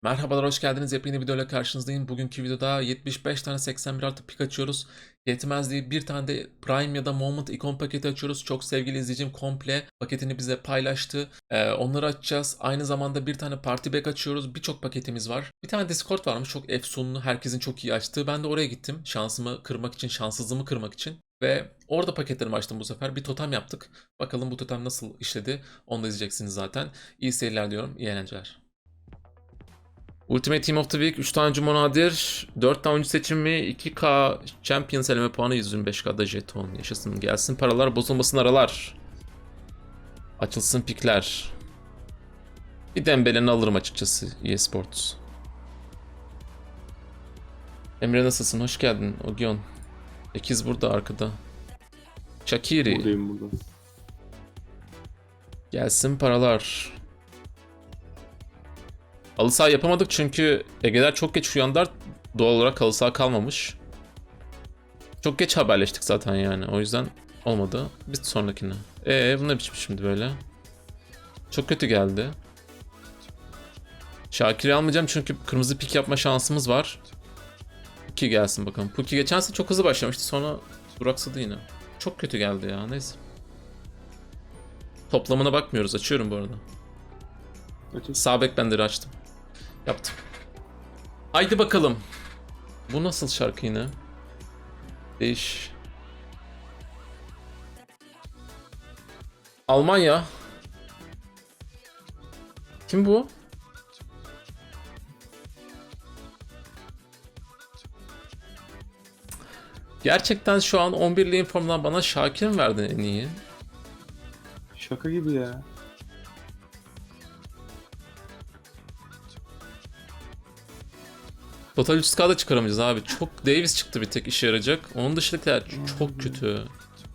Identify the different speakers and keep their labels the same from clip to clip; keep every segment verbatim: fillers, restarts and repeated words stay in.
Speaker 1: Merhabalar, hoş geldiniz. Yepyeni videoyla karşınızdayım. Bugünkü videoda yetmiş beş tane seksen bir artı pik açıyoruz. Yetmez diye bir tane de Prime ya da Moment ikon paketi açıyoruz. Çok sevgili izleyicim komple paketini bize paylaştı. Ee, onları açacağız. Aynı zamanda bir tane Party Pack açıyoruz. Birçok paketimiz var. Bir tane Discord varmış. Çok efsunlu. Herkesin çok iyi açtığı. Ben de oraya gittim. Şansımı kırmak için, şanssızlığımı kırmak için. Ve orada paketlerimi açtım bu sefer. Bir totem yaptık. Bakalım bu totem nasıl işledi. Onu da izleyeceksiniz zaten. İyi seyirler diyorum. İyi eğlenceler. Ultimate Team of the Week üç tane oyuncu nadir, dört tane oyuncu seçimi, iki K Champions eleme puanı, yüz yirmi beş K'da jeton. Yaşasın, gelsin paralar, bozulmasın aralar. Açılsın pikler. Bir Dembele'ni alırım açıkçası E A Sports. Emre nasılsın? Hoş geldin Ogyon. Ekiz burada arkada. Shaqiri.
Speaker 2: Buradayım burada.
Speaker 1: Gelsin paralar. Halı saha yapamadık çünkü Ege'ler çok geç uyandılar. Doğal olarak halı saha kalmamış. Çok geç haberleştik zaten yani. O yüzden olmadı. Bir sonrakine. Eee bu ne biçim şimdi böyle? Çok kötü geldi. Şakir'i almayacağım çünkü kırmızı pik yapma şansımız var. Puki gelsin bakalım. Puki geçen sene çok hızlı başlamıştı, sonra duraksadı yine. Çok kötü geldi ya, neyse. Toplamına bakmıyoruz, açıyorum bu arada.
Speaker 2: Açın.
Speaker 1: Sağ bek benleri açtım. Yaptım. Haydi bakalım. Bu nasıl şarkı yine? Değiş. Almanya. Kim bu? Gerçekten şu an on birli informdan bana Şakir mi verdin en iyi?
Speaker 2: Şaka gibi ya.
Speaker 1: Total üç K'da çıkaramayacağız abi. Çok Davis çıktı bir tek işe yarayacak. Onun dışındakiler çok kötü.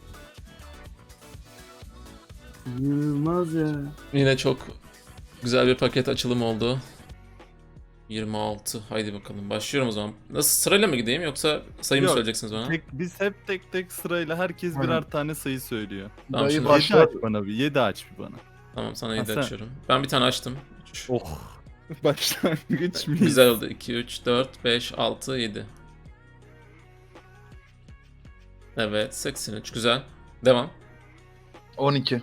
Speaker 2: İnanılmaz ya.
Speaker 1: Yine çok güzel bir paket açılım oldu. yirmi altı. Haydi bakalım. Başlıyorum o zaman. Nasıl, sırayla mı gideyim yoksa sayı mı
Speaker 3: Yok,
Speaker 1: söyleyeceksiniz bana?
Speaker 3: Tek, biz hep tek tek sırayla herkes
Speaker 2: Aynen.
Speaker 3: birer tane sayı söylüyor.
Speaker 1: Tamam,
Speaker 2: Dayı
Speaker 1: şimdi-
Speaker 2: başla.
Speaker 3: yedi aç bana bir, yedi aç bir bana.
Speaker 1: Tamam, sana yedi
Speaker 3: sen-
Speaker 1: açıyorum. Ben bir tane açtım. Üç.
Speaker 3: Oh. Başlangıç mıyız?
Speaker 1: Güzel oldu. iki, üç, dört, beş, altı, yedi. Evet, seksen üç. Güzel. Devam.
Speaker 4: on iki.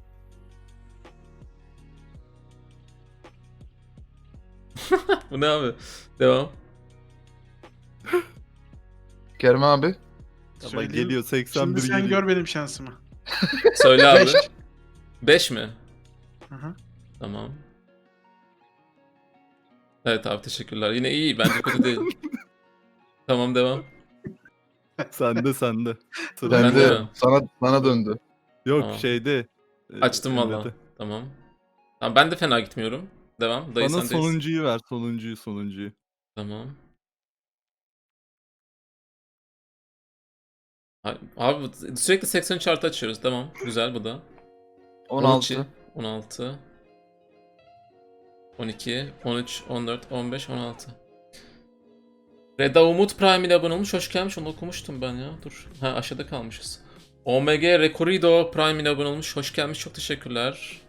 Speaker 1: Bu ne abi? Devam.
Speaker 4: Kerem abi.
Speaker 3: Ama
Speaker 5: Söyleyeyim.
Speaker 3: geliyor seksen bir
Speaker 5: Şimdi sen
Speaker 3: geliyor.
Speaker 5: gör benim şansımı.
Speaker 1: Söyle abi.
Speaker 4: Beş.
Speaker 1: beş mi?
Speaker 5: Hı hı.
Speaker 1: Tamam. Evet abi, teşekkürler. Yine iyi. Bence kötü değil. Tamam, devam.
Speaker 3: Sende sende. Sıra
Speaker 1: Ben
Speaker 4: Ben
Speaker 1: de
Speaker 4: de
Speaker 1: mi?
Speaker 4: sana sana döndü.
Speaker 3: Yok
Speaker 1: Tamam.
Speaker 3: şeyde. e,
Speaker 1: Açtım
Speaker 3: Emre'de.
Speaker 1: valla. Tamam. Tamam, ben de fena gitmiyorum. Devam. Dayı
Speaker 3: Bana
Speaker 1: sendeyiz.
Speaker 3: sonuncuyu ver, sonuncuyu, sonuncuyu.
Speaker 1: Tamam. Ay- Abi sürekli seksen üç artı açıyoruz. Tamam. Güzel bu da.
Speaker 4: on
Speaker 1: on iki,
Speaker 4: altı.
Speaker 1: on altı. on iki, on üç, on dört, on beş, on altı. Reda Umut Prime ile abone olmuş. Hoş gelmiş. Onu okumuştum ben ya. Dur. Ha, aşağıda kalmışız. O M G Recorido Prime ile abone olmuş. Hoş gelmiş. Çok teşekkürler.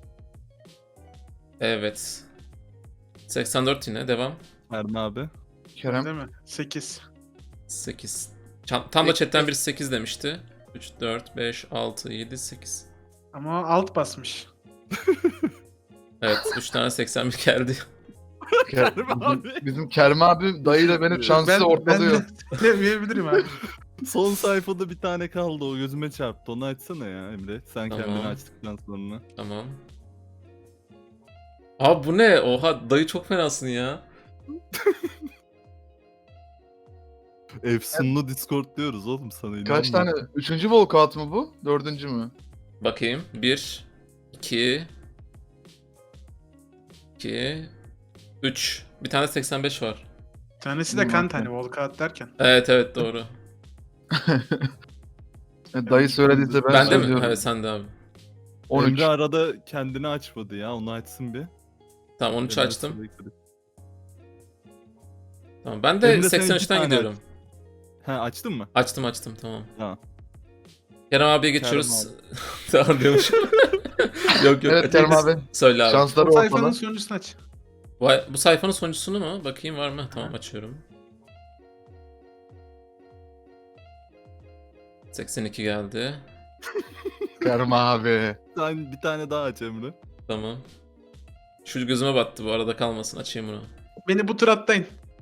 Speaker 1: Evet. seksen dört yine. Devam.
Speaker 3: Ermi abi.
Speaker 4: Kerem.
Speaker 5: Değil mi? sekiz.
Speaker 1: sekiz. Çan- Tam da chatten birisi sekiz demişti. üç, dört, beş, altı, yedi, sekiz.
Speaker 5: Ama alt basmış.
Speaker 1: Evet. üç tane seksen bir geldi.
Speaker 4: Kerem
Speaker 3: Kerem
Speaker 4: bizim,
Speaker 3: abi.
Speaker 4: bizim Kerem abi dayıyla beni şansı ortalıyor.
Speaker 5: Ben de söyleyebilirim abi.
Speaker 3: Son sayfada bir tane kaldı, o gözüme çarptı. Onu açsana ya Emre. Sen
Speaker 1: Tamam.
Speaker 3: kendini açtıktan sonra.
Speaker 1: Tamam. Abi bu ne? Oha, dayı çok fenasın ya.
Speaker 3: Efsunlu Discord diyoruz oğlum sana.
Speaker 4: Kaç
Speaker 3: inanma.
Speaker 4: tane? Üçüncü walkout mu bu? Dördüncü mü?
Speaker 1: Bakayım. bir, iki, iki, üç. Bir tane seksen beş var.
Speaker 5: Tanesi de
Speaker 4: Dur
Speaker 5: kan
Speaker 4: bakayım.
Speaker 5: tane walkout derken.
Speaker 1: Evet evet, doğru.
Speaker 4: E, Dayı söylediyse ben,
Speaker 1: Ben de mi?
Speaker 4: söylüyorum.
Speaker 1: Evet, sen de abi.
Speaker 4: on üç.
Speaker 3: Emre arada kendini açmadı ya, onu açsın bir.
Speaker 1: Tamam, on üç
Speaker 3: Emre
Speaker 1: açtım.
Speaker 3: sürekli-
Speaker 1: Tamam, ben de
Speaker 3: Emre, sen
Speaker 1: seksen
Speaker 3: iki
Speaker 1: üçten
Speaker 3: tane
Speaker 1: gidiyorum.
Speaker 3: Ha, açtın mı?
Speaker 1: Açtım açtım, tamam.
Speaker 3: Ha.
Speaker 1: Kerem abiye geçiyoruz. Tamam diyormuş. Yok yok.
Speaker 4: Evet Kerem abi.
Speaker 1: Söyle abi.
Speaker 4: Şansları
Speaker 5: O sayfanın
Speaker 4: ortada.
Speaker 5: sonuncusunu aç.
Speaker 1: Bu, bu sayfanın sonuncusunu mu? Bakayım var mı? Tamam açıyorum. seksen iki geldi.
Speaker 4: Kerem abi.
Speaker 3: Sen bir tane daha aç Emre.
Speaker 1: Tamam. Şu gözüme battı bu arada kalmasın. Açayım bunu.
Speaker 5: Beni bu tur atlayın.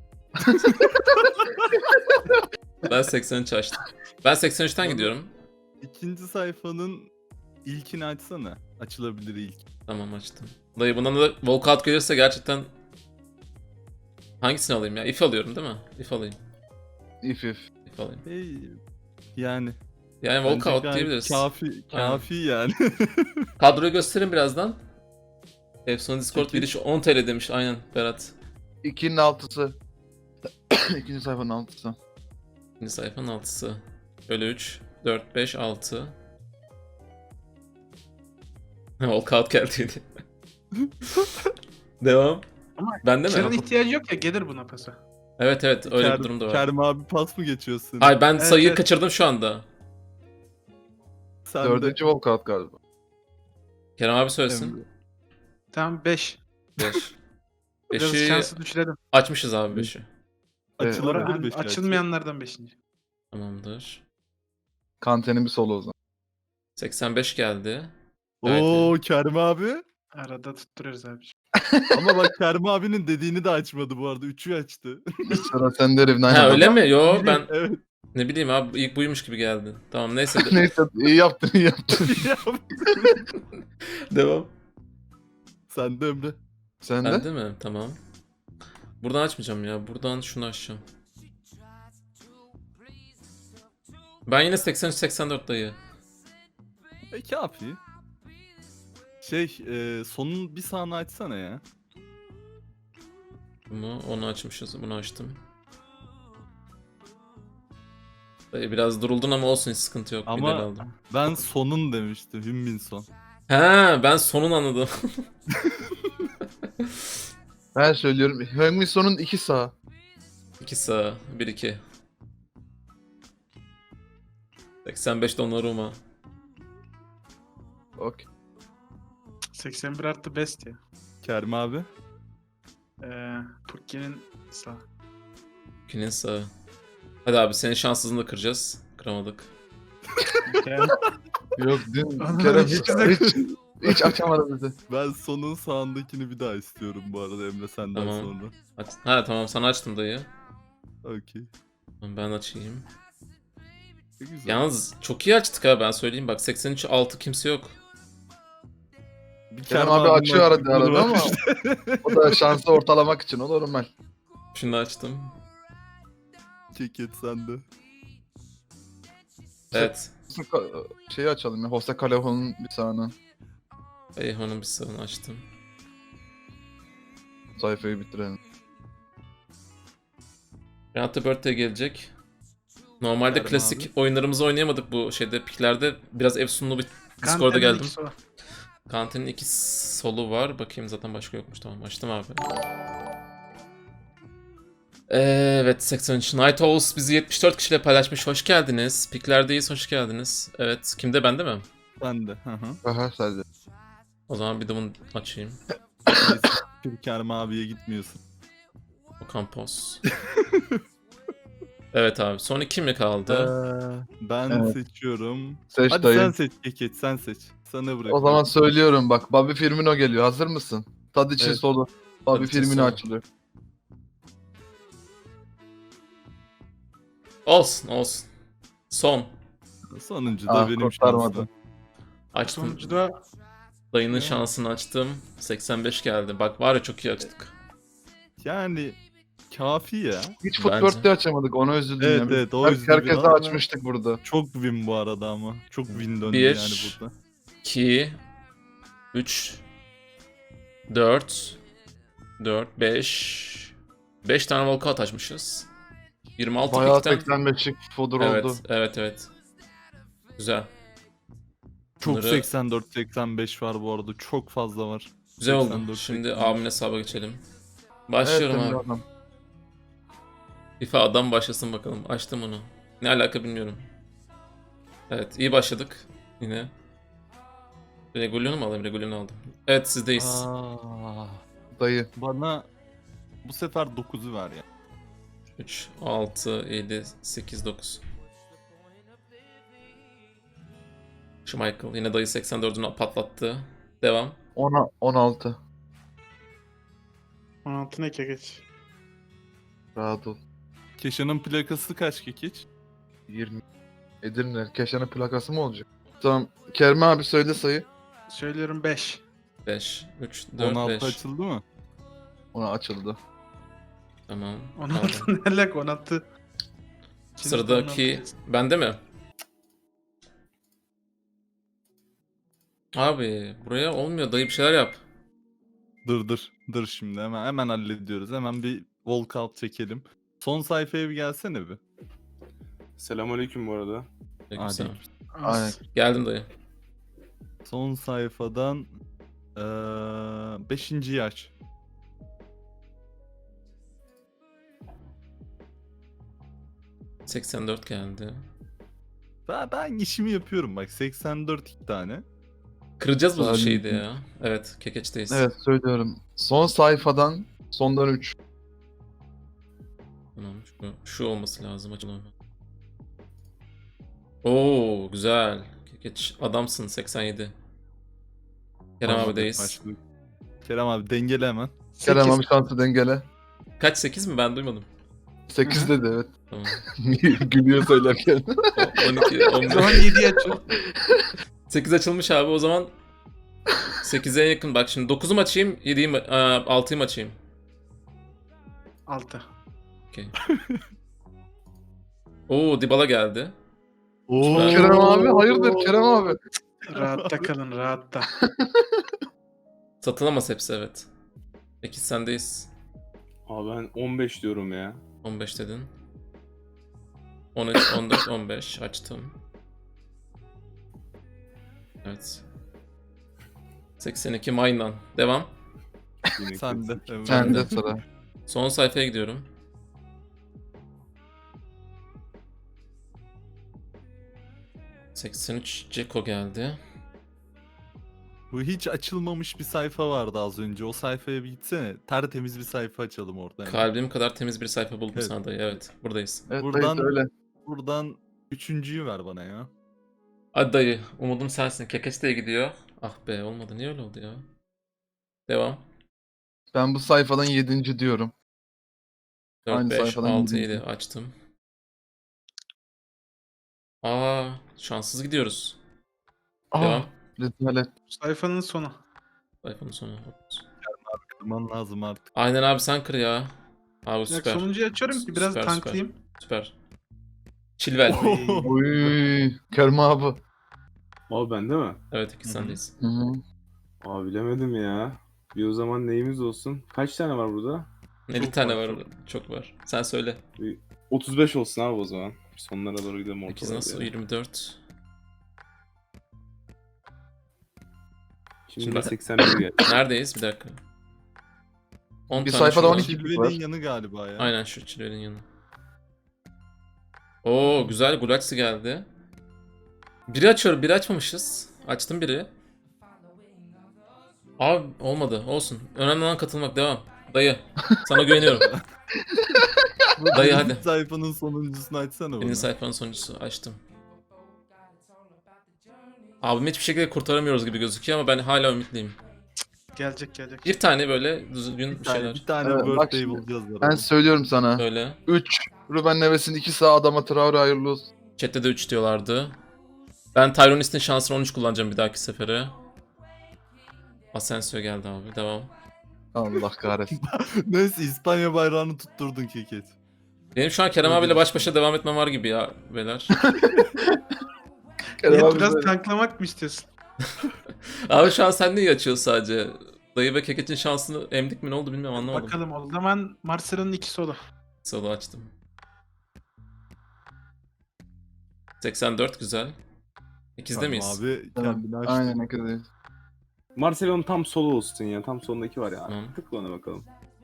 Speaker 1: Ben seksen üç açtım. Ben seksen üçten gidiyorum.
Speaker 3: İkinci sayfanın ilkini açsana. Açılabilir ilk.
Speaker 1: Tamam açtım. Dayı bundan da walkout gelirse gerçekten hangisini alayım ya? If alıyorum değil mi? If alayım.
Speaker 4: İf if.
Speaker 1: If alayım.
Speaker 3: Hey, yani.
Speaker 1: Yani
Speaker 3: bence
Speaker 1: walkout
Speaker 3: gayet
Speaker 1: diyebiliriz.
Speaker 3: Kafi, kafi yani.
Speaker 1: Kadroyu gösterin birazdan. Efsane Discord
Speaker 3: Peki.
Speaker 1: giriş on T L demiş aynen Berat.
Speaker 4: İkinin altısı. İkinci sayfanın altısı.
Speaker 1: İkinci sayfanın altısı. Böyle üç, dört, beş, altı. Walkout geldi. Devam.
Speaker 5: Ama
Speaker 1: Bende
Speaker 5: Kerem'in
Speaker 1: mi?
Speaker 5: ihtiyacı yok ya, gelir buna pasa.
Speaker 1: Evet evet öyle
Speaker 3: Ker-
Speaker 1: bir durum da var.
Speaker 3: Kerem abi pas mı geçiyorsun?
Speaker 1: Hayır ben
Speaker 5: Evet,
Speaker 1: sayıyı
Speaker 5: evet.
Speaker 1: kaçırdım şu anda.
Speaker 3: Sen de
Speaker 4: Dördüncü walkout galiba.
Speaker 1: Kerem abi söylesin.
Speaker 3: Emre.
Speaker 5: Tamam beş.
Speaker 1: beş.
Speaker 5: Biraz
Speaker 1: beşi
Speaker 5: şansı düşürelim.
Speaker 1: açmışız abi beşi.
Speaker 4: Evet.
Speaker 3: Açılabilir
Speaker 5: Hani
Speaker 3: beşi.
Speaker 5: açılmayanlardan beşinci.
Speaker 1: Tamamdır.
Speaker 4: Kante'nin bir solu o zaman.
Speaker 1: seksen beş geldi. Gayet
Speaker 3: Oo Kerem abi.
Speaker 5: Arada tutturuyoruz abi.
Speaker 3: Ama bak Kerem abinin dediğini de açmadı bu arada. Üçü açtı.
Speaker 4: Sıra sende Rivnine.
Speaker 1: Ha öyle mi? Yo ben
Speaker 3: Evet.
Speaker 1: ne bileyim abi ilk buymuş gibi geldi. Tamam neyse. de-
Speaker 4: Neyse iyi yaptın iyi yaptın.
Speaker 1: Devam.
Speaker 3: Sen de Emre.
Speaker 4: Sen de?
Speaker 1: Ben de mi? Tamam. Buradan açmayacağım ya. Buradan şunu açacağım. Ben yine seksen üç seksen dört dayı.
Speaker 3: E kafi. Şey e, sonun bir sağını açsana ya.
Speaker 1: Bunu onu açmışız. Bunu açtım. Dayı biraz duruldun ama olsun hiç sıkıntı yok.
Speaker 3: Ama-
Speaker 1: Ama... aldım.
Speaker 3: Ben sonun demiştim. Hümmin son.
Speaker 1: Ha ben sonun anladım.
Speaker 4: Ben söylüyorum. Heung-min Son'un iki sağ.
Speaker 1: iki sağ. bir iki. seksen beş Donnarumma.
Speaker 4: Okey.
Speaker 5: seksen bir artı best ya.
Speaker 3: Kerem abi.
Speaker 5: Ee, Pukki'nin sağ.
Speaker 1: Kinin sağı. Hadi abi senin şanssızlığını da kıracağız. Kıramadık.
Speaker 5: Yani
Speaker 4: Yok dün
Speaker 5: Anam,
Speaker 4: Kerem
Speaker 5: hiç
Speaker 4: hiç,
Speaker 5: güzel.
Speaker 4: hiç, hiç açamadı bizi.
Speaker 3: Ben sonun sağındakini bir daha istiyorum bu arada Emre senden
Speaker 1: Tamam.
Speaker 3: sonra.
Speaker 1: Aç. Ha tamam sana açtım dayı.
Speaker 3: Okey.
Speaker 1: Ben açayım.
Speaker 3: Ne güzel.
Speaker 1: Yalnız çok iyi açtık ha ben söyleyeyim bak seksen üç altı kimse yok.
Speaker 3: Bir
Speaker 4: Kerem
Speaker 3: Kerem
Speaker 4: abi
Speaker 3: abinin
Speaker 4: açıyor arada
Speaker 3: aklını
Speaker 4: arada ama
Speaker 3: var.
Speaker 4: o da şansı ortalamak için o normal.
Speaker 1: Şunu açtım.
Speaker 3: Ceket sende.
Speaker 1: Evet.
Speaker 4: Şeyi açalım ya. Jose Callejon'un bir sağını.
Speaker 1: Eyhan'ın bir sağını açtım.
Speaker 4: Sayfayı bitirelim.
Speaker 1: Renato Birthday gelecek. Normalde
Speaker 3: Kerem
Speaker 1: klasik
Speaker 3: abi.
Speaker 1: oyunlarımızı oynayamadık bu şeyde piklerde. Biraz efsunlu bir Discord'a
Speaker 5: Kante'nin
Speaker 1: geldim.
Speaker 5: ikisi o.
Speaker 1: Kante'nin iki solu var. Bakayım zaten başka yokmuş. Tamam açtım abi. Evet seksen üç. Night Owls bizi yetmiş dört kişiyle paylaşmış. Hoş geldiniz. Piklerdeyiz. Hoş geldiniz. Evet. Kimde? Bende mi?
Speaker 3: Sen de. Hı hı.
Speaker 4: Aha sadece.
Speaker 1: O zaman bir de bunu açayım.
Speaker 3: Neyse, bir Kerem abiye gitmiyorsun.
Speaker 1: Okan Pos. Evet abi. Son iki mi kaldı?
Speaker 3: Ee, ben
Speaker 4: Evet.
Speaker 3: seçiyorum.
Speaker 4: Seç
Speaker 3: Hadi
Speaker 4: dayı.
Speaker 3: sen seç Ceket sen seç. Sana bırakıyorum.
Speaker 4: O zaman söylüyorum bak. Bobby Firmino geliyor. Hazır mısın? Tadic'in
Speaker 1: Evet.
Speaker 4: solu. Bobby
Speaker 1: Tadic'in
Speaker 4: Firmino
Speaker 1: solu.
Speaker 4: açılıyor.
Speaker 1: Olsun olsun. Son.
Speaker 3: Sonuncu da
Speaker 4: Ah,
Speaker 3: benim
Speaker 4: kurtarmadı.
Speaker 3: şansım.
Speaker 1: Açtım.
Speaker 5: Sonucu da
Speaker 1: Dayının
Speaker 5: Ya.
Speaker 1: şansını açtım. seksen beş geldi. Bak var ya çok iyi açtık.
Speaker 3: Yani kafi ya.
Speaker 4: Hiç
Speaker 1: Bence.
Speaker 4: Footworth'te açamadık. Ona üzüldüm
Speaker 3: Evet,
Speaker 4: ya.
Speaker 3: evet, o
Speaker 4: Her-
Speaker 3: üzdü
Speaker 4: Herkese
Speaker 3: biraz ama-
Speaker 4: açmıştık burada.
Speaker 3: Çok win bu arada ama. Çok win döndü
Speaker 1: Bir.
Speaker 3: yani burada.
Speaker 1: iki, üç, dört, dört, beş, beş tane walkout açmışız. yirmi altı
Speaker 4: Bayağı
Speaker 1: pikten.
Speaker 4: seksen beşlik fodur
Speaker 1: Evet,
Speaker 4: oldu.
Speaker 1: evet, evet. Güzel.
Speaker 3: Çok
Speaker 1: Bunları-
Speaker 3: seksen dört seksen beş var bu arada. Çok fazla var.
Speaker 1: Güzel oldu.
Speaker 3: seksen dört,
Speaker 1: Şimdi
Speaker 3: seksen beş.
Speaker 1: abimin hesaba geçelim. Başlıyorum
Speaker 4: Evet,
Speaker 1: abi.
Speaker 4: Emre adam.
Speaker 1: FIFA adam başlasın bakalım. Açtım onu. Ne alaka bilmiyorum. Evet, iyi başladık. Yine. Regulion'u mu alayım? Regulion'u aldım. Evet, sizdeyiz.
Speaker 3: Aa,
Speaker 4: Dayı.
Speaker 3: Bana bu sefer dokuzu ver ya.
Speaker 1: üç, altı, yedi, sekiz, dokuz. Schmeichel yine dayı seksen dördünü patlattı. Devam.
Speaker 4: on, on altı.
Speaker 5: on altı ne geç.
Speaker 4: Rahat ol.
Speaker 3: Keşan'ın plakası kaç kekiç?
Speaker 4: yirmi. Edirne. Keşan'ın plakası mı olacak? Tamam. Kerem abi söyle sayı.
Speaker 5: Söylüyorum beş.
Speaker 1: beş, üç,
Speaker 3: on
Speaker 1: dört,
Speaker 3: altı
Speaker 1: beş.
Speaker 3: açıldı mı?
Speaker 4: Ona açıldı.
Speaker 1: Tamam.
Speaker 5: on
Speaker 1: aldım.
Speaker 5: altı ne alaka on altı. Şimdi
Speaker 1: Sıradaki
Speaker 5: on altı.
Speaker 1: bende mi? Abi buraya olmuyor, dayı bir şeyler yap.
Speaker 3: Dur dur. Dur şimdi hemen hemen hallediyoruz. Hemen bir walkout çekelim. Son sayfaya bir gelsene bir.
Speaker 2: Selamünaleyküm bu arada.
Speaker 1: Aleykümselam.
Speaker 3: Hadi.
Speaker 5: Az.
Speaker 4: Aynen.
Speaker 1: Geldim dayı.
Speaker 3: Son sayfadan eee beşinci aç.
Speaker 1: seksen dört geldi.
Speaker 3: Ben, ben işimi yapıyorum bak. seksen dört iki tane.
Speaker 1: Kıracağız bu
Speaker 4: Salim.
Speaker 1: şeydi ya. Evet, kekeçteyiz.
Speaker 4: Evet söylüyorum. Son sayfadan sondan üç.
Speaker 1: Tamam, şu, şu olması lazım açılan. Oo, güzel. Kekeç adamsın seksen yedi. Kerem
Speaker 3: Başladık,
Speaker 1: abideyiz.
Speaker 3: başladık. Kerem abi dengele hemen.
Speaker 4: Kerem
Speaker 5: sekiz.
Speaker 4: abi şansı dengele.
Speaker 1: Kaç, sekiz mi? Ben duymadım.
Speaker 4: sekiz
Speaker 5: Hı
Speaker 4: dedi evet.
Speaker 1: Tamam.
Speaker 4: Gülüyor söylerken.
Speaker 1: O- on iki, on
Speaker 5: O
Speaker 1: beş.
Speaker 5: zaman yedi açıl.
Speaker 1: sekiz açılmış abi o zaman. sekize yakın. Bak şimdi dokuzu mu açayım, yediyi mi, aa, altıyı mı açayım?
Speaker 5: altı.
Speaker 1: Okey. Oo, Dybala geldi.
Speaker 3: Oo.
Speaker 4: Kerem abi hayırdır Kerem abi.
Speaker 5: Rahatta kalın rahatta.
Speaker 1: Satılamaz hepsi, evet. sekiz sendeyiz.
Speaker 2: Abi ben on beş diyorum ya.
Speaker 1: on beş dedin. on üç, on dört, on beş açtım. Evet. seksen iki Maynan. Devam.
Speaker 2: Yine
Speaker 3: Sen de.
Speaker 2: klasik.
Speaker 3: Evet.
Speaker 4: Sen de sıra.
Speaker 1: Son sayfaya gidiyorum. seksen üç Ceko geldi.
Speaker 3: Bu hiç açılmamış bir sayfa vardı az önce. O sayfaya bir gitsene. Tertemiz bir sayfa açalım orada. hemen.
Speaker 1: Kalbim kadar temiz bir sayfa buldum
Speaker 3: Evet.
Speaker 1: sana dayı. Evet, buradayız.
Speaker 4: Evet
Speaker 3: Buradan-
Speaker 4: dayı söyle.
Speaker 3: Buradan üçüncüyü ver bana ya.
Speaker 1: Hadi dayı, umudum sensin. Kekeç de gidiyor. Ah be, olmadı. Niye öyle oldu ya? Devam.
Speaker 4: Ben bu sayfadan yedinci diyorum.
Speaker 1: dört,
Speaker 4: Aynı
Speaker 1: beş,
Speaker 4: sayfadan
Speaker 1: altı,
Speaker 4: yedinci.
Speaker 1: yedi açtım. Aa, şanssız gidiyoruz.
Speaker 4: Aa,
Speaker 1: Devam.
Speaker 4: rezalet.
Speaker 5: Sayfanın sonu.
Speaker 1: Sayfanın sonu.
Speaker 3: Kırman lazım artık.
Speaker 1: Aynen abi, sen kır ya. Abi
Speaker 5: Bak
Speaker 1: süper.
Speaker 5: sonuncuyu açıyorum ki biraz
Speaker 1: Süper,
Speaker 5: tanklayayım.
Speaker 1: Süper. Chilwell.
Speaker 4: Uy, Kerem abi.
Speaker 2: Abi bende mi?
Speaker 1: Evet, iki
Speaker 3: Hı hı.
Speaker 1: sendeyiz.
Speaker 4: Hı hı.
Speaker 2: Abi bilemedim ya. Bir o zaman neyimiz olsun? Kaç tane var burada?
Speaker 1: elli
Speaker 3: Çok
Speaker 1: tane
Speaker 3: var,
Speaker 1: var. Çok var. Sen söyle.
Speaker 2: Bir otuz beş olsun abi o zaman. Sonlara doğru gidelim ortalara.
Speaker 1: sekiz nasıl?
Speaker 2: yani.
Speaker 1: yirmi dört.
Speaker 2: Şimdi,
Speaker 1: Şimdi
Speaker 2: de
Speaker 1: ben-
Speaker 2: seksen bir geldi.
Speaker 1: Neredeyiz? Bir dakika. on
Speaker 4: Bir
Speaker 1: tane
Speaker 4: sayfada
Speaker 1: şu var.
Speaker 4: on iki.
Speaker 3: Chilwell'in yanı galiba ya.
Speaker 1: Aynen şu Chilwell'in yanı. Oo, güzel. Gulaxi geldi. Biri açıyorum. Biri açmamışız. Açtım biri. Abi olmadı. Olsun. Önemli olan katılmak. Devam. Dayı. Sana güveniyorum.
Speaker 3: Bu
Speaker 1: Dayı,
Speaker 3: birinci
Speaker 1: hadi.
Speaker 3: sayfanın sonuncusunu açsana bana.
Speaker 1: Birinci sayfanın sonuncusu. Açtım. Abimi hiçbir şekilde kurtaramıyoruz gibi gözüküyor ama ben hala ümitliyim.
Speaker 5: Gelecek gelecek.
Speaker 1: Bir tane böyle düzgün
Speaker 3: Bir
Speaker 1: bir
Speaker 3: tane,
Speaker 1: şeyler.
Speaker 3: bir tane
Speaker 4: Evet, bak
Speaker 3: birthday
Speaker 4: şimdi.
Speaker 3: bulacağız.
Speaker 4: Ben
Speaker 3: arada.
Speaker 4: söylüyorum sana.
Speaker 1: Böyle.
Speaker 4: üç. Ruben Neves'in iki sağ Adama Traore hayırlı olsun.
Speaker 1: Chat'te de üç diyorlardı. Ben Tyronis'in şansını on üç kullanacağım bir dahaki sefere. Asensio geldi abi. Devam.
Speaker 4: Allah kahretsin.
Speaker 3: Neyse İspanya bayrağını tutturdun keket.
Speaker 1: Benim şu an Kerem
Speaker 3: Öyle
Speaker 1: abiyle
Speaker 3: bir
Speaker 1: baş başa devam etmem var gibi ya beyler.
Speaker 4: Kerem
Speaker 5: Evet,
Speaker 4: abi
Speaker 5: biraz
Speaker 4: söyle.
Speaker 5: tanklamak mı istiyorsun?
Speaker 1: Abi şu an sen neyi açıyorsun sadece? Dayı ve Keket'in şansını emdik mi ne oldu bilmiyorum, anlamadım.
Speaker 5: Bakalım o zaman Marcelo'nun iki solu.
Speaker 1: Solo açtım. seksen dört güzel. İkizde
Speaker 3: Tamam
Speaker 1: miyiz?
Speaker 3: Abi
Speaker 4: Tamam,
Speaker 3: kendini açtı.
Speaker 4: Aynen ne kadar.
Speaker 2: Marcelo'nun tam solu olsun ya. Tam solundaki var ya.
Speaker 1: Tamam.
Speaker 2: Tıkla ona bakalım.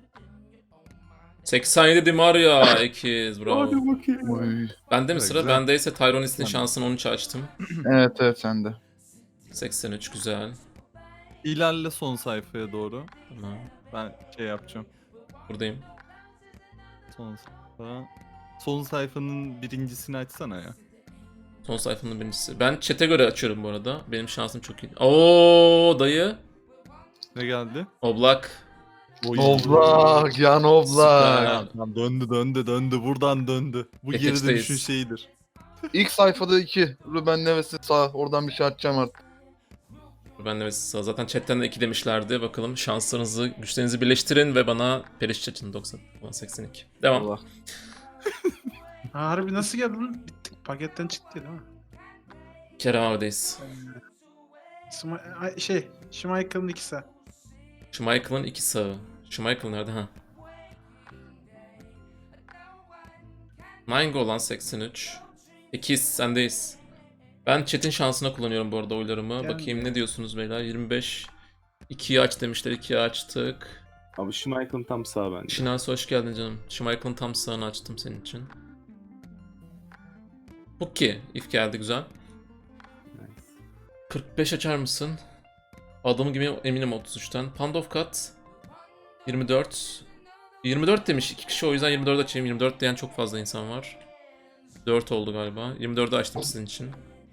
Speaker 1: seksen yedi Di Maria ikiz, bravo.
Speaker 2: Hadi bakayım.
Speaker 4: Uy.
Speaker 1: Bende mi
Speaker 3: Evet,
Speaker 1: sıra?
Speaker 3: güzel.
Speaker 1: Bendeyse Tyronis'in
Speaker 3: Tamam.
Speaker 1: şansını on üçe açtım.
Speaker 4: Evet evet sen de.
Speaker 1: seksen üç güzel.
Speaker 3: İlerle son sayfaya doğru.
Speaker 1: Tamam.
Speaker 3: Ben şey yapacağım.
Speaker 1: Buradayım.
Speaker 3: Son sayfa. Son sayfanın birincisini açsana ya.
Speaker 1: Son sayfanın birincisi. Ben chat'e göre açıyorum bu arada. Benim şansım çok iyi. Oo dayı.
Speaker 3: Ne geldi?
Speaker 1: Oblak.
Speaker 3: Oy.
Speaker 4: Oblak, yan
Speaker 1: Süper.
Speaker 4: oblak.
Speaker 3: Ya, tamam, döndü döndü döndü buradan döndü. Bu geri
Speaker 1: Etekteyiz.
Speaker 3: dönüşün şeyidir.
Speaker 4: İlk sayfada iki. Ruben Neves'in sağ. Oradan bir şey atacağım artık.
Speaker 1: Ben de mesela zaten chatten de iki demişlerdi. Bakalım şanslarınızı, güçlerinizi birleştirin ve bana periş açın doksan seksen iki. Devam.
Speaker 4: Allah.
Speaker 5: Ha, harbi nasıl geldi lan? Bittik. Paketten çıktı değil mi?
Speaker 1: Kerem abideyiz.
Speaker 5: Sma- ay, şey, Schmeichel'ın ikisi.
Speaker 1: Schmeichel'ın iki sağı. Schmeichel nerede ha? Mango olan seksen üç. İkiz sendeyiz. Ben chat'in şansına kullanıyorum bu arada oylarımı.
Speaker 5: Yani-
Speaker 1: Bakayım ne diyorsunuz beyler? yirmi beş. ikiyi aç demişler. ikiyi açtık.
Speaker 2: Abi Schmeichel'ın tam sağ bence.
Speaker 1: Şinasi hoş geldin canım. Schmeichel'ın tam sağını açtım senin için. Pukki. If geldi güzel.
Speaker 2: Nice.
Speaker 1: kırk beş açar mısın? Adamı gibi eminim otuz üçten. Pandofkat. yirmi dört. yirmi dört demiş iki kişi, o yüzden yirmi dört açayım. yirmi dört diyen çok fazla insan var. dört oldu galiba. yirmi dördü açtım sizin için.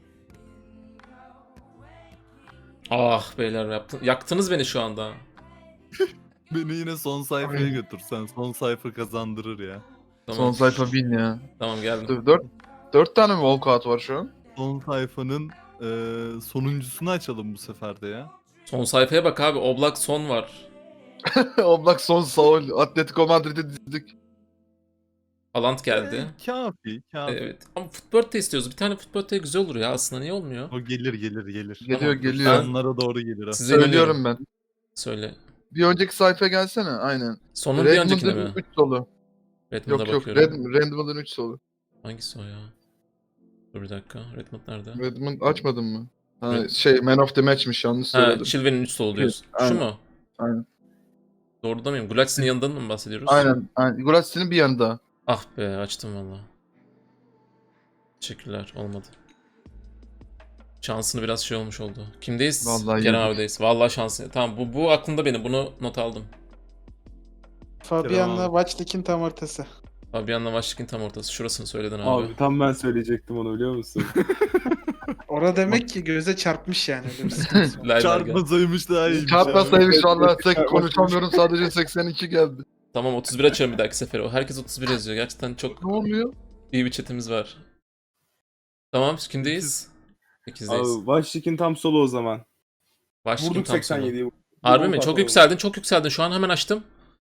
Speaker 1: Ah beyler yaptın, yaktınız beni şu anda.
Speaker 3: Beni yine son sayfaya
Speaker 4: Ay.
Speaker 3: götürsen. Son sayfa kazandırır ya.
Speaker 1: Tamam.
Speaker 4: Son sayfa bin ya.
Speaker 1: Tamam geldim.
Speaker 4: Dur, dört, dört tane mi walkout var şu an?
Speaker 3: Son sayfanın eee, sonuncusunu açalım bu sefer de ya.
Speaker 1: Son sayfaya bak abi. Oblak son var.
Speaker 4: Oblak son Saul. Atletico Madrid'i dizdik.
Speaker 1: Alant geldi.
Speaker 3: Ee, kafi, kafi.
Speaker 1: Evet. Ama futbol istiyoruz. Bir tane futbol güzel olur ya. Aslında niye olmuyor?
Speaker 3: O gelir gelir gelir.
Speaker 4: Geliyor
Speaker 1: Tamam,
Speaker 4: geliyor.
Speaker 3: Onlara doğru gelir. o.
Speaker 1: Size inanıyorum.
Speaker 4: Söylüyorum ben.
Speaker 1: Söyle.
Speaker 4: Bir önceki sayfaya gelsene. Aynen.
Speaker 1: Sonun bir öncekine
Speaker 4: Redmond'un
Speaker 1: mi?
Speaker 4: üç solu.
Speaker 1: Redmond'a
Speaker 4: Yok yok.
Speaker 1: bakıyorum.
Speaker 4: Red, Redmond'un üç solu.
Speaker 1: Hangisi o ya? Dur bir dakika. Redmond nerede?
Speaker 4: Redmond açmadın mı? Ha,
Speaker 1: Red-
Speaker 4: şey Man of the Match'miş, yanlış
Speaker 1: Ha,
Speaker 4: söyledim.
Speaker 1: Chilwell'in üç solu diyorsun. Şu
Speaker 4: aynen.
Speaker 1: mu?
Speaker 4: Aynen.
Speaker 1: Doğruda mıyım? Gulaç'ın yanından mı bahsediyoruz?
Speaker 4: Aynen. aynen. Gulaçsi'nin bir yanında.
Speaker 1: Ah be açtım valla. Teşekkürler. Olmadı. Şansını biraz şey olmuş oldu. Kimdeyiz?
Speaker 4: Vallahi
Speaker 1: Kerem
Speaker 4: yedik.
Speaker 1: abideyiz. Vallahi şansı. Tamam bu, bu aklımda benim. Bunu not aldım.
Speaker 5: Fabian'la
Speaker 3: Selam
Speaker 5: Vaçlik'in tam ortası.
Speaker 1: Fabian'la Vaşlik'in tam ortası. Şurasını söyledin abi.
Speaker 2: Abi tam ben söyleyecektim onu, biliyor musun?
Speaker 5: Orada demek ki göze çarpmış yani. Öyle bir sıkıntısı var.
Speaker 1: Lay lay gel.
Speaker 3: Çarpmasaymış daha iyiymiş.
Speaker 4: Çarpmasaymış
Speaker 2: Evet,
Speaker 4: valla
Speaker 2: evet,
Speaker 4: tek
Speaker 2: çarpmasaymış.
Speaker 4: konuşamıyorum, sadece seksen iki geldi.
Speaker 1: Tamam otuz bir açıyorum bir dahaki sefere. O herkes otuz bir yazıyor. Gerçekten çok
Speaker 4: Ne oluyor?
Speaker 1: iyi bir chatimiz var. Tamam kimdeyiz? sekizdeyiz.
Speaker 2: Abi Vaşlik'in tam solu o zaman.
Speaker 1: Vaşlik'in
Speaker 2: Vurduk
Speaker 1: tam
Speaker 2: seksen
Speaker 1: sonu.
Speaker 2: yediyi.
Speaker 1: Harbi mi? Çok yükseldin, çok yükseldin. Şu an hemen açtım.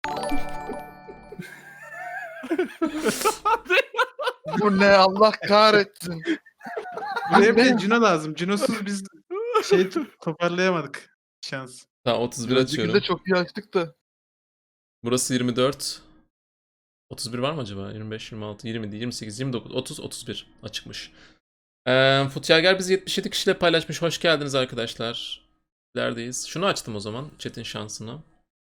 Speaker 4: Bu ne, Allah kahretsin.
Speaker 5: Buraya bir de Cino lazım. Cinosuz biz şey toparlayamadık. Şans.
Speaker 1: Tamam otuz bir
Speaker 4: Bir
Speaker 1: açıyorum.
Speaker 4: de çok iyi açtık da.
Speaker 1: Burası yirmi dört. otuz bir var mı acaba? yirmi beş, yirmi altı, yirmi, yirmi sekiz, yirmi dokuz, otuz, otuz bir açıkmış. Ee, Futyager bizi yetmiş yedi kişiyle paylaşmış. Hoş geldiniz arkadaşlar. Neredeyiz? Şunu açtım o zaman. Chat'in şansını.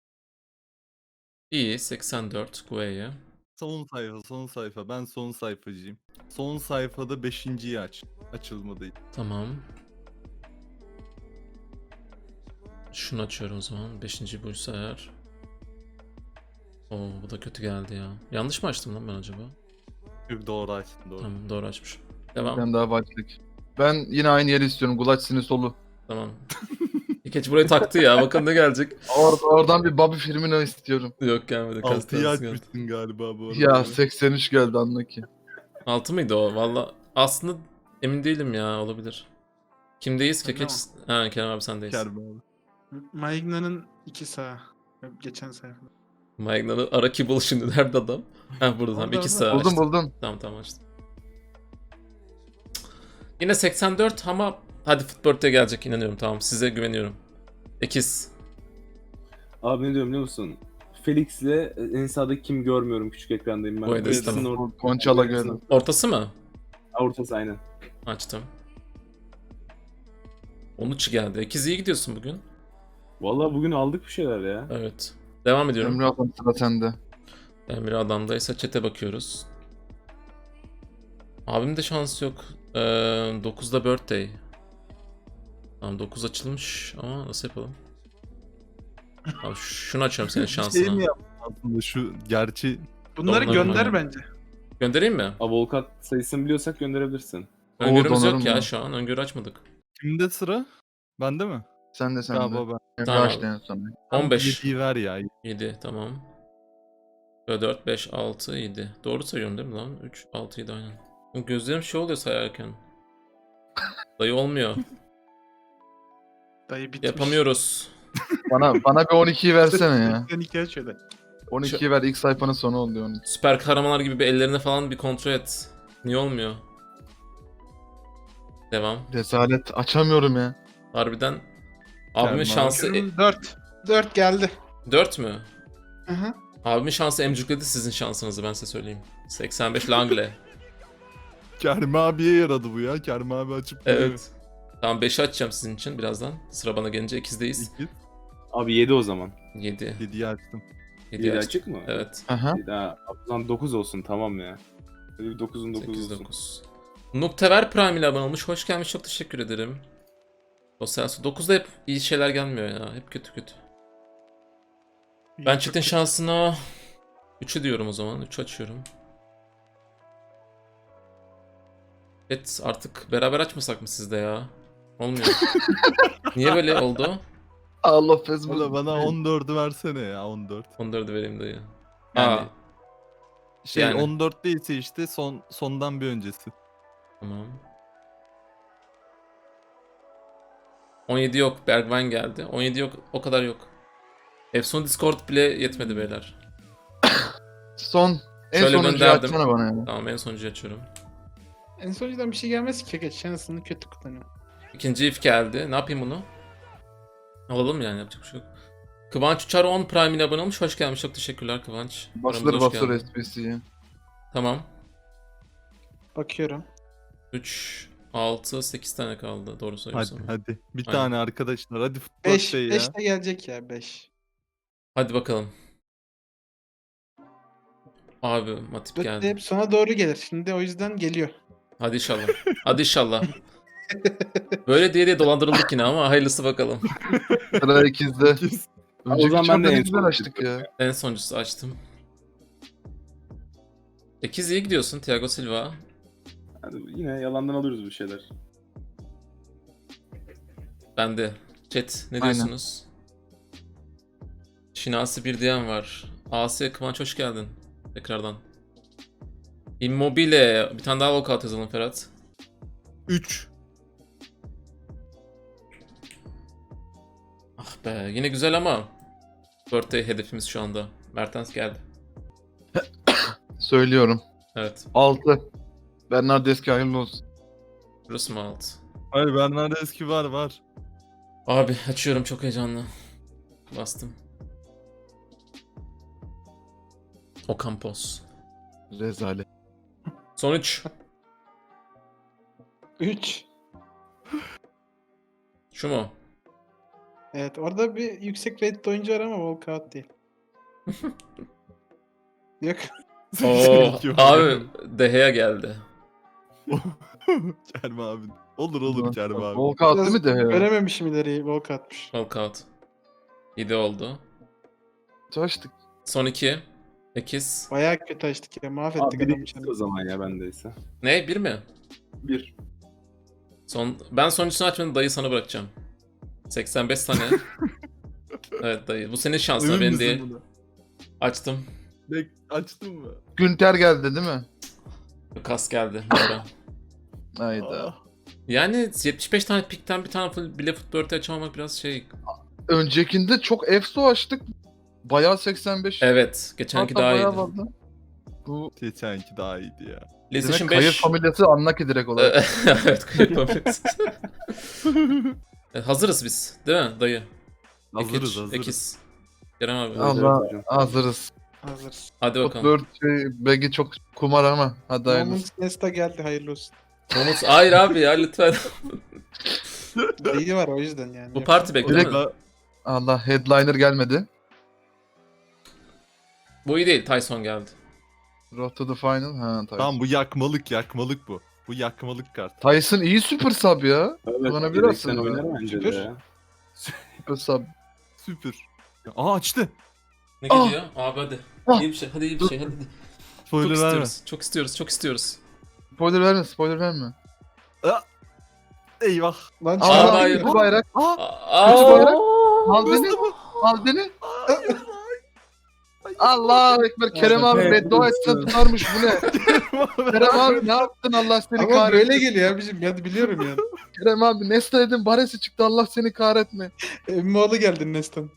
Speaker 1: İyi. seksen dört. Gueye.
Speaker 3: Son sayfa, son sayfa. Ben son sayfacıyım. Son sayfada beşinciyi aç. Açılma değil.
Speaker 1: Tamam. Şunu açıyorum o zaman. Beşinci buysa eğer. Oo bu da kötü geldi ya. Yanlış mı açtım lan ben acaba?
Speaker 3: Yok doğru açtın doğru.
Speaker 1: Tamam doğru açmışım. Devam.
Speaker 4: Ben daha başlık. Ben yine aynı yeri istiyorum. Gulaçsi'nin solu.
Speaker 1: Tamam. İkeç burayı taktı ya. Bakalım ne gelecek.
Speaker 4: Or oradan bir Bobby Firmino istiyorum.
Speaker 1: Yok gelmedi.
Speaker 3: Altıyı
Speaker 1: Kastansı geldi.
Speaker 3: açmışsın galiba bu arada.
Speaker 4: Ya seksen üç geldi, anla ki.
Speaker 1: Altı mıydı o? Valla aslında emin değilim ya, olabilir. Kimdeyiz?
Speaker 5: Ben de
Speaker 1: Kekeç. Ha Kerem abi sendeyiz.
Speaker 3: Kerem abi.
Speaker 5: Maigna'nın iki sağ. Geçen sayfada.
Speaker 1: Magna'nın Araki bul şimdi. Nerede adam? Ha burada tamam.
Speaker 5: Orada,
Speaker 1: İki
Speaker 5: orada.
Speaker 1: sağ
Speaker 4: Buldum
Speaker 1: açtım.
Speaker 4: buldum.
Speaker 1: Tamam tamam açtım. Yine seksen dört ama hadi Footbird'e gelecek inanıyorum, tamam. Size güveniyorum. Ekiz.
Speaker 2: Abi ne diyorum biliyor musun? Felix'le en sağdaki kim görmüyorum, küçük ekrandayım ben.
Speaker 1: Bu Edis,
Speaker 2: İkisinin
Speaker 1: tamam.
Speaker 2: or-
Speaker 4: Konçala geldi.
Speaker 1: Ortası mı?
Speaker 2: Ortası aynen.
Speaker 1: Açtım. on üç geldi. Ekiz iyi gidiyorsun bugün.
Speaker 2: Vallahi bugün aldık bir şeyler ya.
Speaker 1: Evet. Devam ediyorum.
Speaker 4: Emre Adam sıra sende.
Speaker 1: Emre adamdaysa chat'e bakıyoruz. Abim de şans yok. Ee, dokuzda birthday. Tamam dokuz açılmış ama nasıl yapalım? Abi şunu açıyorum senin
Speaker 3: Bir şey mi
Speaker 1: şansına.
Speaker 3: yaptın aslında şu gerçi
Speaker 5: Bunları
Speaker 1: Doğru,
Speaker 5: gönder
Speaker 1: doğru.
Speaker 5: bence.
Speaker 1: Göndereyim mi?
Speaker 2: Avukat sayısını biliyorsak gönderebilirsin.
Speaker 1: Öngörümüz yok
Speaker 4: donarım
Speaker 1: ya
Speaker 4: var.
Speaker 1: şu an. Öngörü açmadık.
Speaker 3: kimde sıra? Bende mi?
Speaker 4: Sen de sen de.
Speaker 3: Galiba ben.
Speaker 4: Emre
Speaker 1: Tamam
Speaker 4: açtı
Speaker 1: abi.
Speaker 4: en son.
Speaker 1: on beş.
Speaker 3: yediyi ver ya.
Speaker 1: yedi tamam. Böyle dört, beş, altı, yedi. Doğru sayıyorum değil mi lan? üç, altı, yedi aynen. O gözlerim şey oluyor sayarken. Dayı olmuyor.
Speaker 5: Dayı bitmiş.
Speaker 1: Yapamıyoruz.
Speaker 4: Bana bana bir on ikiyi versene ya.
Speaker 5: Sen iki aç şöyle.
Speaker 4: on ikiyi ver ilk sayfanın sonu oluyor on iki.
Speaker 1: Süper kahramanlar gibi bir ellerine falan bir kontrol et. Niye olmuyor? Devam.
Speaker 4: Rezalet açamıyorum ya.
Speaker 1: Harbiden. Abimin
Speaker 3: Tamam.
Speaker 1: şansı e-
Speaker 5: dört. dört geldi.
Speaker 1: dört mü?
Speaker 5: Hı hı.
Speaker 1: Abimin şansı emcükledi sizin şansınızı ben size söyleyeyim. seksen beş Langle.
Speaker 3: Kerem abiye yaradı bu ya. Kerem abi açıp
Speaker 1: Evet. Tamam beşi açacağım sizin için birazdan. Sıra bana gelince ikizdeyiz.
Speaker 3: İki.
Speaker 2: Abi yedi o zaman.
Speaker 1: yedi.
Speaker 3: yediyi açtım.
Speaker 1: yedi
Speaker 2: yedi
Speaker 1: açtım.
Speaker 2: açık mı?
Speaker 1: Evet.
Speaker 4: Aha.
Speaker 2: yedi, ha. O zaman dokuz olsun tamam ya. Böyle bir dokuzun dokuzu
Speaker 1: sekiz
Speaker 2: olsun.
Speaker 1: dokuz. Nuktever Prime ile abone olmuş. Hoş gelmiş. Çok teşekkür ederim. O sensu. dokuzda hep iyi şeyler gelmiyor ya. Hep kötü kötü. Ben
Speaker 5: Çok
Speaker 1: çiftin
Speaker 5: kötü.
Speaker 1: şansına üçü diyorum o zaman. üç açıyorum. Evet artık beraber açmasak mı sizde ya? Olmuyor. Niye böyle oldu?
Speaker 4: Allah
Speaker 3: Bana,
Speaker 4: Facebook.
Speaker 3: bana on dördü versene ya on dört.
Speaker 1: on dördü vereyim dayı.
Speaker 3: Yani
Speaker 1: Aa,
Speaker 3: şey
Speaker 1: yani.
Speaker 3: on dört değilse işte son sondan bir öncesi.
Speaker 1: tamam. on yedi yok. Bergwijn geldi. on yedi yok. O kadar yok. Efson Discord bile yetmedi beyler.
Speaker 4: Son. En
Speaker 1: Şöyle
Speaker 4: sonuncuyu
Speaker 1: gönderdim.
Speaker 4: açsana bana ya.
Speaker 1: Tamam en sonuncuyu açıyorum.
Speaker 5: En sonuncudan bir şey gelmez ki. Geç şansını kötü kullanıyorum.
Speaker 1: İkinci if geldi. Ne yapayım bunu? Alalım yani yapacak bir şey yok. Kıvanç Uçar on Prime ile abone olmuş. Hoş gelmiş. Çok teşekkürler Kıvanç.
Speaker 4: Basılır
Speaker 1: Aramıza hoş
Speaker 4: basılır
Speaker 1: geldin.
Speaker 4: S P C'ye.
Speaker 1: Tamam.
Speaker 5: Bakıyorum.
Speaker 1: üç, altı, sekiz tane kaldı. Doğru
Speaker 3: Hadi
Speaker 1: söylüyorsam. Hadi.
Speaker 3: hadi. Bir
Speaker 1: Aynen.
Speaker 3: tane arkadaşlar. Hadi futbol
Speaker 5: beş.
Speaker 3: şey ya.
Speaker 5: beş de gelecek ya beş.
Speaker 1: bakalım. Abi Matip
Speaker 5: dört de
Speaker 1: geldi.
Speaker 5: hep sona doğru gelir. Şimdi o yüzden geliyor.
Speaker 1: Hadi inşallah. Hadi inşallah. Böyle diye diye dolandırıldık yine ama hayırlısı bakalım.
Speaker 4: Sıra ikizde.
Speaker 3: İkiz.
Speaker 4: Önceki
Speaker 2: zaman ben de
Speaker 4: çarda ne
Speaker 2: en
Speaker 4: güzel
Speaker 2: son
Speaker 4: açtık ya.
Speaker 1: En sonuncusu açtım. sekiz iyi gidiyorsun Thiago Silva.
Speaker 2: Hadi yine yalandan alıyoruz bir şeyler.
Speaker 1: Ben de. Chat ne
Speaker 4: Aynen.
Speaker 1: diyorsunuz? Şinasi bir diyen var. A S Kıvanç hoş geldin. Tekrardan. Immobile. Bir tane daha lockout yazalım Ferhat.
Speaker 3: üç.
Speaker 1: Ah be yine güzel ama birthday hedefimiz şu anda. Mertens geldi.
Speaker 4: Söylüyorum.
Speaker 1: Evet.
Speaker 4: altı. Bernardeski hayırlı olsun.
Speaker 1: Burası mı alt?
Speaker 3: Hayır Bernardeski var var.
Speaker 1: Abi açıyorum çok heyecanlı. Bastım. Ocampos.
Speaker 4: Rezalet.
Speaker 1: Son üç.
Speaker 5: üç.
Speaker 1: Şu mu?
Speaker 5: Evet orada bir yüksek rated oyuncu var ama walkout değil. Yok.
Speaker 1: Oo,
Speaker 3: İki var.
Speaker 1: abi Dehea geldi.
Speaker 3: Kerem abi. Olur olur Kerem abi.
Speaker 4: Walkout değil mi de ya?
Speaker 5: Görememişim ileriyi walkoutmuş.
Speaker 1: Lockout. yedi oldu.
Speaker 4: Açtık.
Speaker 1: Son iki. sekiz.
Speaker 5: Bayağı kötü açtık ya.
Speaker 2: Abi
Speaker 5: Mahvettik
Speaker 2: biri
Speaker 5: adamı.
Speaker 2: ikisi o zaman ya bendeyse.
Speaker 1: Ne? Bir mi?
Speaker 2: Bir.
Speaker 1: Son ben sonuncusunu açmadım dayı sana bırakacağım. seksen beş tane. Evet dayı. Bu senin şansın
Speaker 3: Emin
Speaker 1: benim
Speaker 3: misin
Speaker 1: değil.
Speaker 3: buna?
Speaker 1: Açtım.
Speaker 3: Ne, açtın mı?
Speaker 4: Günter geldi değil mi?
Speaker 1: Kas geldi. Doğru.
Speaker 4: Hayda.
Speaker 3: Ah.
Speaker 1: Yani yetmiş beş tane pikten bir tane full- bile futbol açamamak biraz şey.
Speaker 4: Öncekinde çok Efso açtık. Bayağı seksen beş.
Speaker 1: Evet. Geçenki
Speaker 4: Hatta
Speaker 1: daha
Speaker 4: bayağı
Speaker 1: iyiydi.
Speaker 4: vardı. Bu
Speaker 3: Geçenki daha iyiydi ya.
Speaker 1: PlayStation
Speaker 4: demek Kayır
Speaker 1: beş.
Speaker 4: familyası Annaki direkt olarak.
Speaker 1: Evet. Kayır familyası. E, Hazırız biz. Değil mi dayı?
Speaker 3: Hazırız
Speaker 1: Ekiz,
Speaker 3: hazırız.
Speaker 1: Ekiz. Kerem abi.
Speaker 2: Al.
Speaker 4: Allah
Speaker 2: hocam.
Speaker 4: hazırız.
Speaker 5: Hazır.
Speaker 1: Hadi bakalım.
Speaker 4: Footbird şey, Begi çok kumar ama hadi hayırlısı.
Speaker 5: Moment Nesta geldi hayırlı olsun.
Speaker 1: Umut, hayır abi ya lütfen.
Speaker 5: İyi var o yüzden yani.
Speaker 1: Bu parti bekle değil
Speaker 4: Direkt-
Speaker 1: mi?
Speaker 3: Direkt
Speaker 4: Allah headliner gelmedi.
Speaker 1: Bu iyi değil. Tyson geldi.
Speaker 4: Road to the final. Ha Tyson.
Speaker 3: tamam bu yakmalık yakmalık bu. Bu yakmalık kart.
Speaker 4: Tyson iyi super sub ya.
Speaker 2: Evet,
Speaker 4: Kullanabilir
Speaker 2: yedekten
Speaker 4: aslında.
Speaker 2: oynar bence
Speaker 5: Süper.
Speaker 2: de ya.
Speaker 4: Super sub.
Speaker 3: Süpür. Aa açtı.
Speaker 1: Ne
Speaker 4: Ah!
Speaker 1: geliyor? Abi hadi.
Speaker 4: Ah!
Speaker 1: İyi bir şey. Hadi iyi bir şey. Hadi. Çok
Speaker 3: Spoiler verme.
Speaker 1: istiyoruz. Çok istiyoruz. Çok istiyoruz.
Speaker 4: Spoiler verme, spoiler verme.
Speaker 3: Eyvah.
Speaker 5: Lan
Speaker 1: Aa,
Speaker 5: çıkar.
Speaker 1: hayır.
Speaker 4: Kötü bayrak.
Speaker 3: Aa.
Speaker 1: Aa!
Speaker 4: Kötü bayrak. Al beni. Al beni. Allahu Ekber. Kerem abi
Speaker 2: Evet,
Speaker 4: beddua etsen
Speaker 2: evet.
Speaker 4: tutarmış bu ne? Kerem abi ne yaptın Allah seni
Speaker 5: Ama
Speaker 4: kahretsin.
Speaker 5: böyle geliyor abicim. Ben biliyorum ya.
Speaker 4: Kerem abi Nesta dedim Baresi çıktı Allah seni kahretme.
Speaker 5: Emmoğlu geldin Nestan.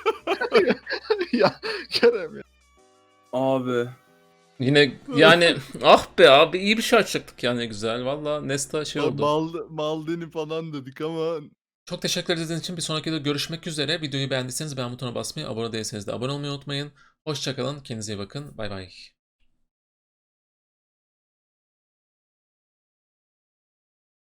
Speaker 4: ya Kerem ya.
Speaker 2: Abi.
Speaker 1: Yine yani ah be abi iyi bir şey açacaktık yani güzel. Valla Nesta şey oldu.
Speaker 3: Mal, Maldini falan dedik ama
Speaker 1: Çok teşekkür ederiz için bir sonraki videoda görüşmek üzere. Videoyu beğendiyseniz beğen butonuna basmayı, abone değilseniz de abone olmayı unutmayın. Hoşçakalın, kendinize iyi bakın. Bay bay.